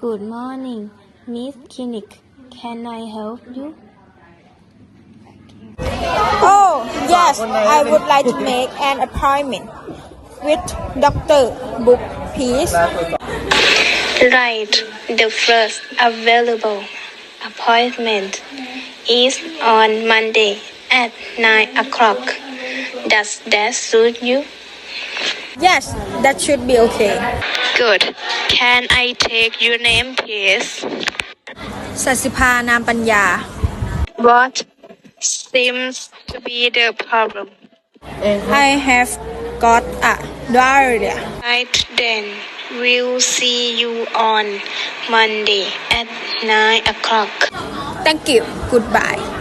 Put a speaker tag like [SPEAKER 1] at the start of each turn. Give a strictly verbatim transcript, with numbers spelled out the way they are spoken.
[SPEAKER 1] Good morning, Miss Clinic. Can I help you?
[SPEAKER 2] Oh, yes, I would like to make an appointment with Doctor Book, please.
[SPEAKER 1] Right. The first available appointment is on Monday at nine o'clock. Does that suit you?
[SPEAKER 2] Yes, that should be okay.
[SPEAKER 1] Good. Can I take your name, please?
[SPEAKER 2] สัสิภานามปัญญา
[SPEAKER 1] What seems to be the problem?
[SPEAKER 2] I have got a diarrhea.
[SPEAKER 1] Right then, we'll see you on Monday at nine o'clock.
[SPEAKER 2] Thank you. Goodbye.